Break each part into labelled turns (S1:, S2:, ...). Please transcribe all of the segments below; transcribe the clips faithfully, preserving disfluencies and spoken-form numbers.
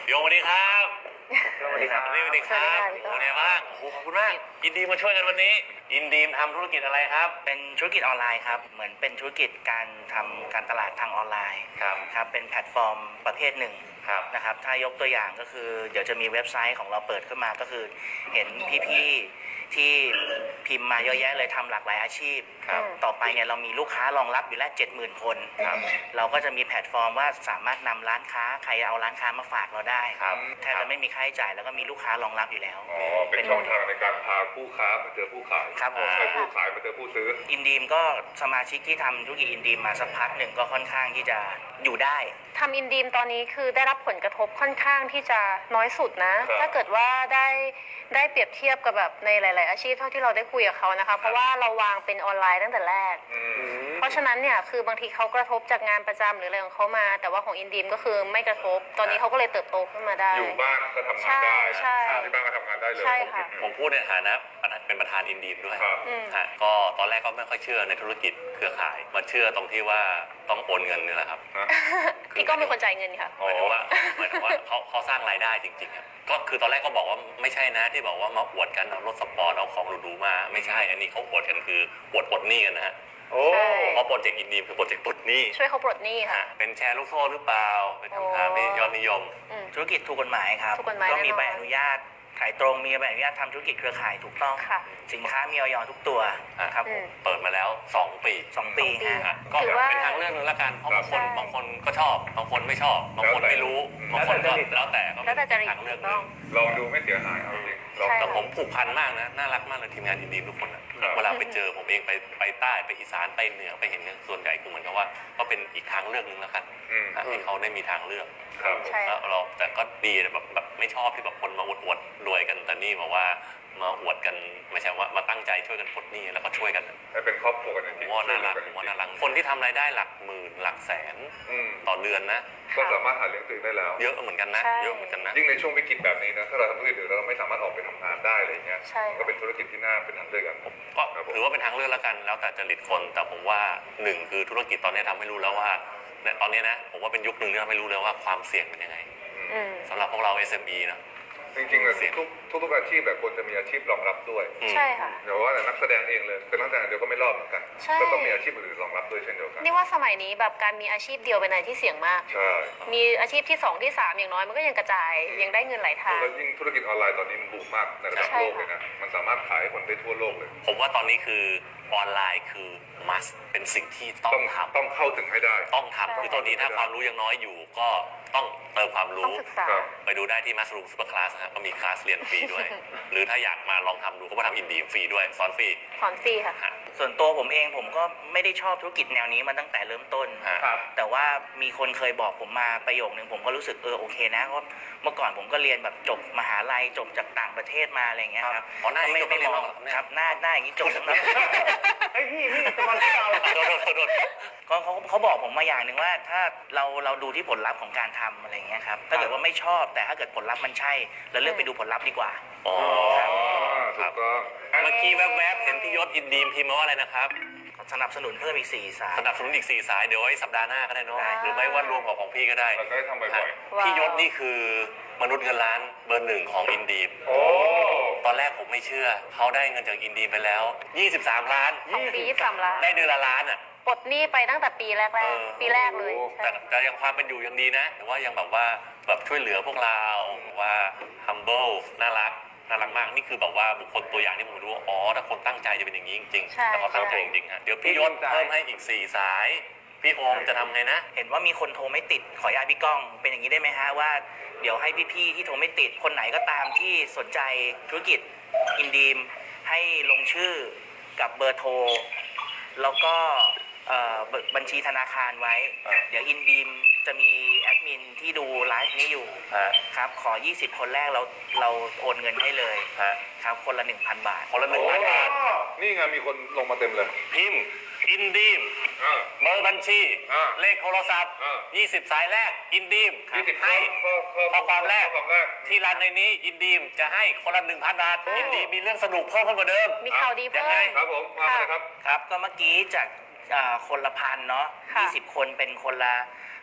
S1: โยสวัสดีครับ
S2: สวัสดีครับ
S1: สวัสดีครับเป็นไงบ้างโอ้โหขอบคุณมากอินดีมาช่วยกันวันนี้อินดีมทำธุรกิจอะไรครับ
S2: เป็นธุรกิจออนไลน์ครับเหมือนเป็นธุรกิจการทำการตลาดทางออนไลน์
S1: ครับ
S2: ครับเป็นแพลตฟอร์มประเภทหนึ่ง
S1: ครับ
S2: นะครับถ้ายกตัวอย่างก็คือเดี๋ยวจะมีเว็บไซต์ของเราเปิดขึ้นมาก็คือเห็นพี่ๆที่พิมพ์มาเยอะแยะเลยทำหลากหลายอาชีพต่อไปเนี่ยเรามีลูกค้ารองรับอยู่แล้ว เจ็ดหมื่น คนเราก็จะมีแพลตฟอร์มว่าสามารถนำร้านค้าใครเอาร้านค้ามาฝากเราได้แทบจะไม่มีค่าใช้จ่ายแล้วก็มีลูกค้ารองรับอยู่แล้ว
S3: อ๋อเป็นช่องทางในการพาผู้ค้ามาเจอผู้ขาย
S2: ครับผม
S3: ไปผู้ขายมาเจอผู้ซื้อ
S2: อินดีมก็สมาชิกที่ทำธุรกิจอินดีมมาสักพักหนึ่งก็ค่อนข้างที่จะอยู่ได้
S4: ทำอินดีมตอนนี้คือได้รับผลกระทบค่อนข้างที่จะน้อยสุดนะถ้าเกิดว่าได้ได้เปรียบเทียบกับแบบในหลาย ๆ อาชีพเท่าที่เราได้คุยกับเขานะคะเพราะว่าเราวางเป็นออนไลน์ตั้งแต่แรกเพราะฉะนั้นเนี่ยคือบางทีเขากระทบจากงานประจำหรืออะไรของเขามาแต่ว่าของอินดีมก็คือไม่กระทบตอนนี้เขาก็เลยเติบโตขึ้นมาได้
S3: อยู่บ้านก็ทำงานได้
S4: ใช่
S3: ที่บ้านก็ทำงานได้เลย
S4: ใช่ค่ะ
S1: ผมพูดในฐานะเป็นประธานอินดีมด้วยฮะก็ตอนแรกก็ไม่ค่อยเชื่อในธุรกิจเครือข่ายมาเชื่อตรงที่ว่าต้องโอนเงินนี่แหละครับ
S4: พี่ก็เป็นคนจ่ายเงินค่ะ
S1: หมายถึงว่าหมายถึงว่าเขาเขาสร้างรายได้จริงๆครับก็คือตอนแรกก็บอกว่าไม่ใช่นะที่บอกว่ามาอวดกันเอารถสปอร์ตเอาของหรูๆมาไม่ใช่อันนี้เขาอวดกันคืออวดปลดหนี้กันนะฮะ
S3: โอ้
S1: เพราะโปรเจกต์อินดีมคือโปรเจกต์ปลดหนี้
S4: ช่วยเขาปลดหนี้ค่ะ
S1: เป็นแชร์ลูกโซ่หรือเปล่าเป็นคำถามที่ยอดนิยม
S2: ธุรกิจถูกกฎหมายครับก็มีใบอนุญาตขายตรงมีใบอนุญาตทำธุรกิจเครือข่ายถูกต้องสินค้ามีออยทุกตัวครับ
S1: เปิดมาแล้วสองปี
S2: สองปีฮะ
S1: ก็เป็นทางเลือกนึงละกันเพราะบางคนบางคนก็ชอบบางคนไม่ชอบบางคนไม่รู้บางคนก็แล้วแต่ก็เป็นทางเลือกนึง
S3: ลองดูไม่เสียหายเอาจริง
S1: แต่ผมผูกพันมากนะน่ารักมากเลยทีมงานอินดีทุกคนเวลาไปเจอผมเองไปไปใต้ไปอีสานไปเหนือไปเห็นส่วนใหญ่คือเหมือนกับว่าก็เป็นอีกทางเลือกนึงแล้วกันให้เขาได้มีทางเลือกแล้วเราแต่ก็ดีแบบแบบไม่ชอบที่แบบคนมาอวดรวยกันแต่นี่บอกว่ามาอวดกันไม่ใช่ว่ามาตั้งใจช่วยกันปลดหนี้แล้วก็ช่วยกัน
S3: ให้เป็นครอบครัวกันจริง
S1: ๆว่าน่ารักว่าน่ารักคนที่ทำรายได้หลักหมื่นหลักแสนต่อเดือนนะ
S3: ก็สามารถหาเลี้ยงตัวเองได้แล้ว
S1: เยอะเหมือนกันนะเยอะเหมือนกันนะ
S3: ยิ่งในช่วงวิกฤตแบบนี้นะถ้าเราทำธุรกิจเราไม่สามารถออกไปทำงานได้อะไรเงี้ยก็เป็นธุรกิจที่น่าเป็นทางเลือกกัน
S1: ก็ถือว่าเป็นทางเลือกแล้วกันแล้วแต่จริตคนแต่ผมว่าหนึ่งคือธุรกิจตอนนี้ทำให้รู้แล้วว่าเนี่ยตอนนี้นะผมว่าเป็นยุคหนึ่งที่ทำให้รู้แล้วว่าความเสี่ยงเป็นยังไงสำหรับพวกเรา เอส เอ็ม อี นะ
S3: จริงๆเลยทุกทุกอาชีพแบบควรจะมีอาชีพรองรับด้วย
S4: ใช่ค่ะ
S3: เดี๋ยวว่าแต่นักแสดงเองเลยเป็นนักแสดงเดียวก็ไม่รอดเหมือนกันก็ต้องมีอาชีพอื่นรองรับด้วยเช่นเดียวกัน
S4: นี่ว่าสมัยนี้แบบการมีอาชีพเดียวเป็นอะไรที่เสี่ยงมาก
S3: ใช่
S4: มีอาชีพที่สองที่สามอย่างน้อยมันก็ยังกระจายยังได้เงินหลายทาง
S3: แล้วยิ่งธุรกิจออนไลน์ตอนนี้มันบูมมากในระดับโลกเลยนะมันสามารถขายให้คนได้ทั่วโลกเลย
S1: ผมว่าตอนนี้คือออนไลน์คือ must เป็นสิ่งที่ต้องทำ
S3: ต้องเข้าถึงให้ได้
S1: ต้องทำคือตอนนี้ถ้าความรู้ยังน้อยอยู่ก็ต้องเติมความรู้ไปดูได้ที่ Mushroom Super Class นะครับก็มีคลาสเรียนฟรีด้วยหรือถ้าอยากมาลองทำดูก็มาทำอินดีฟรีด้วยสอนฟรี
S4: สอนฟรีค่ะ
S2: ส่วนตัวผมเองผมก็ไม่ได้ชอบธุรกิจแนวนี้มาตั้งแต่เริ่มต้นแต่ว่ามีคนเคยบอกผมมาประโยคนึงผมก็รู้สึกเออโอเคนะเพราะเมื่อก่อนผมก็เรียนแบบจบมหาลัยจบจากต่างประเทศมาอะไรอย่างเงี้ยครับ
S1: อ๋อหน้าไม่
S2: ไม่
S1: มอง
S2: ครับหน้าหน้าอย่างนี้จบทั้งนั้น
S3: ไอ้พี่พี่จะมาเล่า
S2: ก็เขาเขาบอกผมมาอย่างหนึ่งว่าถ้าเราเราดูที่ผลลัพธ์ของการทำอะไรอย่างเงี้ยครับถ้าเกิดว่าไม่ชอบแต่ถ้าเกิดผลลัพธ์มันใช่เราเลือกไปดูผลลัพธ์ดีกว่า
S1: อ๋อ
S3: ครับก็
S1: เมื่อกี้แวบๆเห็นพี่ยศอินดีมพิมพ์มาว่าอะไรนะครับ
S2: สนับสนุนเพิ่มอีกสี่สาย
S1: สนับสนุนอีกสี่สายเดี๋ยวไว้สัปดาห์หน้าก็ได้เนาะหรือไม่ว่ารวมของของพี่ก็ได้
S3: เราได้ทำบ่อย
S1: ๆพี่ยศนี่คือมนุษย์เงินล้านเบอร์หนึ่งของอินดีม
S3: โอ้
S1: ตอนแรกผมไม่เชื่อเขาได้เงินจากอินดีมไปแล้วยี่สิบสามล้าน
S4: สองปียี่สิบสามล้าน
S1: ได้เดือนละล้านอ่ะ
S4: ปลดหนี้ไปตั้งแต่ปีแรกๆปีแรกเลย
S1: แต่แต่ยังความเป็นอยู่ยังดีนะแต่ว่ายังแบบว่าแบบช่วยเหลือพวกเราว่า humble น่ารักน่ารักมากนี่คือแบบว่าบุคคลตัวอย่างที่ผมรู้ว่าอ๋อถ้าคนตั้งใจจะเป็นอย่างนี้จริงๆแล้วก็ตั้งใจจริงๆฮะเดี๋ยวพี่ยศเพิ่มให้อีกสี่สายพี่โอมจะทำไงนะ
S2: เห็นว่ามีคนโทรไม่ติดขออนุญาตพี่ก้องเป็นอย่างนี้ได้ไหมฮะว่าเดี๋ยวให้พี่ๆที่โทรไม่ติดคนไหนก็ตามที่สนใจธุรกิจอินดีมให้ลงชื่อกับเบอร์โทรแล้วก็บัญชีธนาคารไว้เดี๋ยวอินดีมจะมีแอดมินที่ดูไลฟ์นี้อยู่ครับขอยี่สิบคนแรกเราเราโอนเงินให้เลยครับคนละ หนึ่งพัน บาท
S1: คนละ หนึ่งพัน บาท
S3: นี่ไงมีคนลงมาเต็มเลย
S1: พิมพ์อินดีมเบอร์บัญชีเลขโทรศัพท์ยี่สิบสายแรกอินดีมให้ข้อความแรกที่ร้านในนี้อินดีมจะให้คนละ หนึ่งพัน บาทอินดีมมีเรื่องสนุกเพิ่มขึ้นกว่าเดิม
S4: มีข่าวดีเพิ่ม
S3: ครับผมมาเลยครับ
S2: ครับก็เมื่อกี้จากคนละพันเนาะยี่สิบคนเป็นคนละ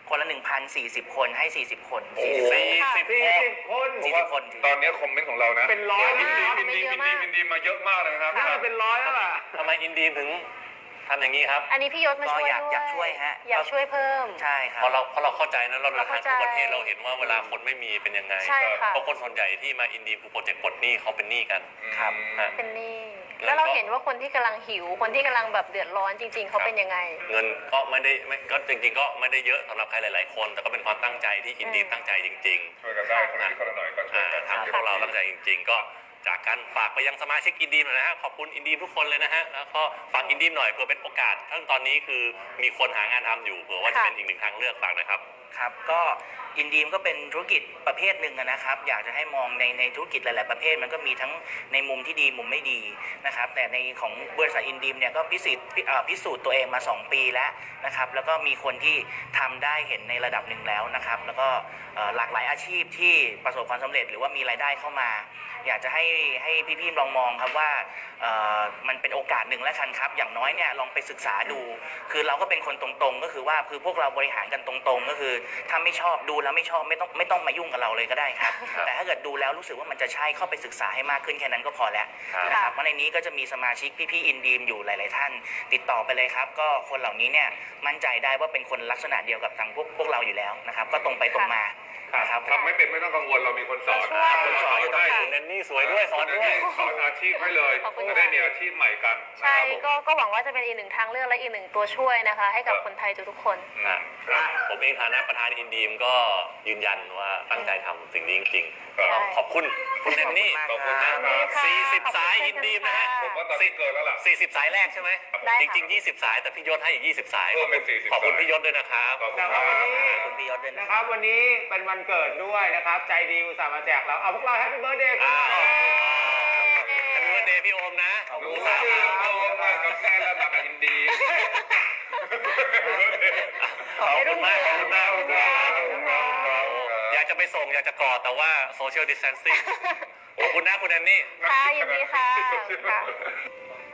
S2: คนละหนึ่งพันสี่สิบคนให้สี่สิบคน
S3: โอ้โห
S2: สี่สิบ
S1: สี่สิบ
S5: สี่สิบคน
S2: สี่สิบคนถือ
S3: ตอนนี้คอมเมนต์ของเรานะ
S5: เป็นร้อย
S3: อินดี
S5: นะ
S3: อินดีอินดีอินดีมาเยอะมากเลยนะครับ
S5: น่าจะเป็นร้อยแล้วล่ะ
S1: ทำไมอินดีมถึงทำอย่างนี้ครับ
S4: อันนี้พี่ยศมาช่วย
S2: ก็อยาก
S4: ด้วย
S2: อยากช่วยฮะ
S4: อยากช่วยเพิ่ม
S2: ใช่ครับ
S1: เพราะเราเพราะเราเข้าใจนะเราเดินทางทั่วประเทศ
S4: เราเข้าใจ
S1: เราเห็นว่าเวลาคนไม่มีเป็นยังไง
S4: ใช่ค่ะ
S1: เพราะคนส่วนใหญ่ที่มาอินดีมคือโปรเจกต์ปลดหนี้เขาเป็นหนี้กัน
S2: ครับ
S1: ฮะ
S4: เป็นหนี้
S1: แล้
S4: แล้ว ว
S1: ก็
S4: เราเห็นว่าคนที่กำลังหิว คนที่กำลังแบบเดือดร้อนจริง ๆ เขาเป็นยังไง
S1: เงินก็ไม่ได้ไม่ก็จริงๆก็ไม่ได้เยอะสำหรับใครหลาย ๆ คน แต่ก็เป็นความตั้งใจที่อินดีม
S4: อืม
S1: ตั้งใจจริง
S3: ช่วยกันได้คนละนิดคนละหน่อยก็
S1: ๆ
S3: ช่วย
S1: อ่า
S3: กัน
S1: ทำพวกเราตั้งใจจริง ๆ ก็จากการฝากไปยังสมาชิกอินดีมหน่อยนะฮะขอบคุณอินดีมทุกคนเลยนะฮะแล้วก็ฝากอินดีมหน่อยเผื่อเป็นโอกาสทั้งตอนนี้คือมีคนหางานทำอยู่เผื่อว่าจะเป็นอีกหนึ่งทางเลือกฝากหนะครับ
S2: ครับก็อินดีมก็เป็นธุรกิจประเภทหนึ่งอะนะครับ อยากจะให้มองในในธุรกิจหลาย ๆ ประเภทมันก็มีทั้งในมุมที่ดีมุมไม่ดีนะครับแต่ในของบริษัทอินดีมเนี่ยก็พิสูจน์พิเอ่อพิสูจน์ตัวเองมาสองปีแล้วนะครับแล้วก็มีคนที่ทำได้เห็นในระดับหนึ่งแล้วนะครับแล้วก็เอ่อหลากหลายอาชีพที่ประสบความสำเร็จหรือว่ามีรายได้เข้ามา อยากจะให้ให้พี่ๆลองมองครับว่าเอ่อมันเป็นโอกาสหนึ่งแล้วกันครับอย่างน้อยเนี่ยลองไปศึกษาดู คือเราก็เป็นคนตรงๆก็คือว่าคือพวกเราบริหารกันตรงๆ ก็คือถ้าไม่ชอบดูแล้วไม่ชอบไม่ต้องไม่ต้องมายุ่งกับเราเลยก็ได้ครับ
S1: ครับ
S2: แต่ถ้าเกิดดูแล้วรู้สึกว่ามันจะใช่เข้าไปศึกษาให้มากขึ้นแค่นั้นก็พอแล้ว
S1: ครับ
S2: นะครับเพราะในนี้ก็จะมีสมาชิกพี่ๆอินดีมอยู่หลาย ๆ ท่าน ติดต่อไปเลยครับ ก็คนเหล่านี้เนี่ยมั่นใจได้ว่าเป็นคนลักษณะเดียวกับทางพวกพวกเราอยู่แล้วนะครับก็ตรงไปตรงมานะครับ
S3: ทำไม่เป็นไม่ต้องกังวลเรามีคนสอน
S4: ช่วย
S3: คนสอนอยู่ได้
S1: คุณแนนนี่สวยด้วยสอนด้วย
S3: สอนอาชีพให้เลย
S4: ขอบคุณ
S3: จะ
S4: ค่ะ
S3: ได้มีอาชีพใหม่กัน
S4: ใช่
S3: นะครับผม
S4: ก็ก็หวังว่าจะเป็นอีกหนึ่งทางเลือกและอีกหนึ่งตัวช่วยนะคะ ให้กับคนไทยทุกๆคน
S1: อ่ะครับผมเองฐานะประธานอินดีมก็ยืนยันว่าตั้งใจทำสิ่งนี้จริงๆ
S3: ครับ
S1: ก็ขอบคุณคุณแนนนี่
S3: ขอบคุณมาก
S4: ขอบคุณค่ะ
S1: สี่สิบ
S4: ขอบคุณ
S1: สาย
S4: เช่
S1: อิ
S4: น
S1: น
S4: กัน
S1: ดีมนะฮะ
S4: ค่ะ
S3: ผมว่าตอนนี้เกินแล้วล่ะ
S1: สี่สิบสายแรกใช่ไหม
S4: ได้
S1: จ
S4: ค่ะ
S1: ริงๆยี่สิบสาย แต่พี่ยศให้อีกยี่สิบสาย
S3: เพิ่มเป็นสี่สิบ
S1: ขอบคุณ
S3: สาย
S1: พี่ยศด้วยนะครับ
S3: ขอบคุณ
S5: แต่
S3: ค
S5: ว่า
S3: รับ
S5: วันนี้
S2: คุณพี่ยศด้วยนะ
S5: นะครับวันนี้เป็นวันเกิดด้วยนะครับ ใจดีอุตส่าห์มาแจกเราเอาพวกเราแฮปปี้เบิร์ดเดย์กัน
S1: อ้า
S5: หน่
S1: ว
S5: อย
S1: แฮปปี้วันเดย์พี่โอมนะ
S2: ขอบคุณ
S3: รู้
S1: สา
S3: สึ
S1: ม
S3: กโตมากับแม่และมากับอินดี
S1: ขอบคุณมากขอบคุณมากขอบคุณมาก
S4: ขอบคุณค่ะ
S1: อยากจะไปส่งอยากจะกอดแต่ว่าโซเชียลดิส a ทนซิ่งขอบคุณนะคุณแนนนี่
S4: ค่ะยินดีค่ะขอบคุณค่ะ